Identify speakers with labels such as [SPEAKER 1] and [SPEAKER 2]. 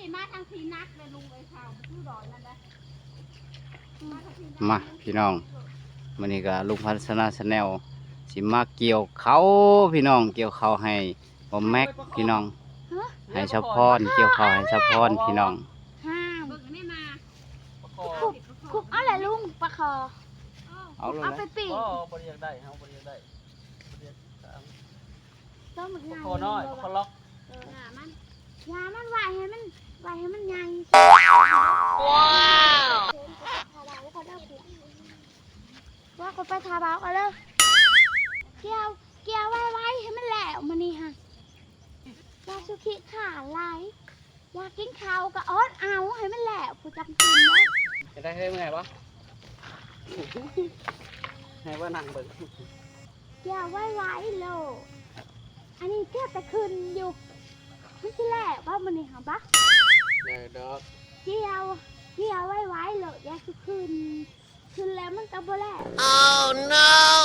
[SPEAKER 1] มาทางทีนักเลยลุงไอ้ข่าวชื่อดอนนั่นแหละ
[SPEAKER 2] มาพี่น้องมันนี่ก็ลุงพัฒนาชาแนลสิมาเกี่ยวเขาพี่น้องเกี่ยวเขาให้บอมแม็กพี่น้องให้ชาวพรเกี่ยวเขาให้ชาวพรพี่น้อง
[SPEAKER 3] ห้าม
[SPEAKER 1] เบิกนี่มา
[SPEAKER 3] คุบเอาแหละลุงปลาคอ
[SPEAKER 2] เอา
[SPEAKER 3] ไปปีก
[SPEAKER 4] บริยังได้เฮาบริยังได้บริยัง
[SPEAKER 3] ต้องมันใหญ่
[SPEAKER 4] คอน้อยคอล็อก
[SPEAKER 1] หามัน
[SPEAKER 3] ยามันไหวให้มันใหญ่ว่าคนไปทาบ้ากันเลยเกี่ยวไว้ให้มันแหลวมันนี่ฮะยาสุขิขาลายอยากกินข้าวก็อดเอาให้มันแหลวผู้จำกินนะ
[SPEAKER 4] จะได้เมื่อไงวะให้ว่านั่งเบิ่ง
[SPEAKER 3] เกี่ยวไว้โลอันนี้เกี่ยวแต่คืนอยู่มันจะแหลวว่ามันนี่ฮะปะ
[SPEAKER 4] เดี๋ยวดอก
[SPEAKER 3] เกี่ยวไว้โลอยากจะคืนแล้วมันก็บ่แหลว
[SPEAKER 5] Oh no!